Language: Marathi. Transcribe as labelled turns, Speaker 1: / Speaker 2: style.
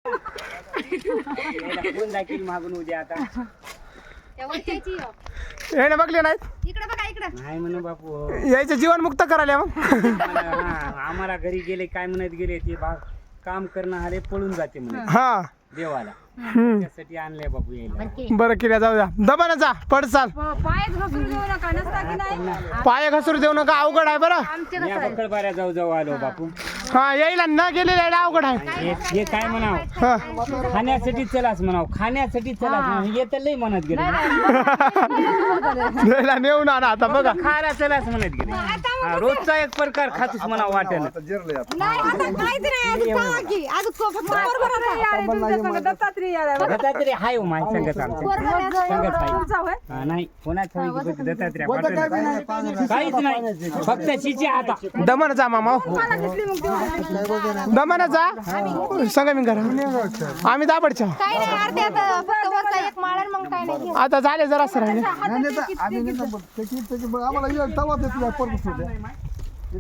Speaker 1: कोण दाखील मागून उद्या आता
Speaker 2: हे बघले नाहीत
Speaker 3: इकडे बघा इकडे
Speaker 1: नाही म्हणे बापू
Speaker 2: यायचं जीवन मुक्त करायला मग
Speaker 1: आम्हाला घरी गेले काय म्हणत गेले ते काम करणं आले पळून जाते म्हणे
Speaker 2: हा
Speaker 1: देवाला त्यासाठी आणलंय बापू यायला
Speaker 2: बरं किल्या जाऊ द्या दबाना जा पड चाल
Speaker 3: पाय घसरून देऊ नका नसता की नाही
Speaker 2: पाय घसरू देऊ नका अवघड आहे बरं
Speaker 1: मी बकळबाऱ्या जाऊ जाऊ आलो बापू
Speaker 2: हा यायला न गेलेला यायला अवघड आहे
Speaker 1: हे काय म्हणाव
Speaker 2: हा.
Speaker 1: खाण्यासाठी चलाच म्हणाव खाण्यासाठी चलाच म्हणाव येत लय म्हणत गेले
Speaker 2: यायला नेऊन आणा आता बघा
Speaker 1: खायला चलाच म्हणत गेले हा, रोजचा एक प्रकार खातोच म्हणाव वाटेल
Speaker 3: नाही आता काहीच नाही आज पहा की आज बरोबर
Speaker 1: दत्तात्रय हाय हो माय संगत आमच्या संगत हाय हा, नाही कोणाच दत्तात्रय पाठवलं. काहीच नाही फक्त शिची आता
Speaker 2: दमन जा मामा दमन जा सांगा मी करा आम्ही दाबडच्या
Speaker 3: काय नाही अर्धे आता फक्त वरचा एक माळ आणि मग काय नाही
Speaker 2: आता झाले जरा सर
Speaker 4: आम्हाला तवा देतो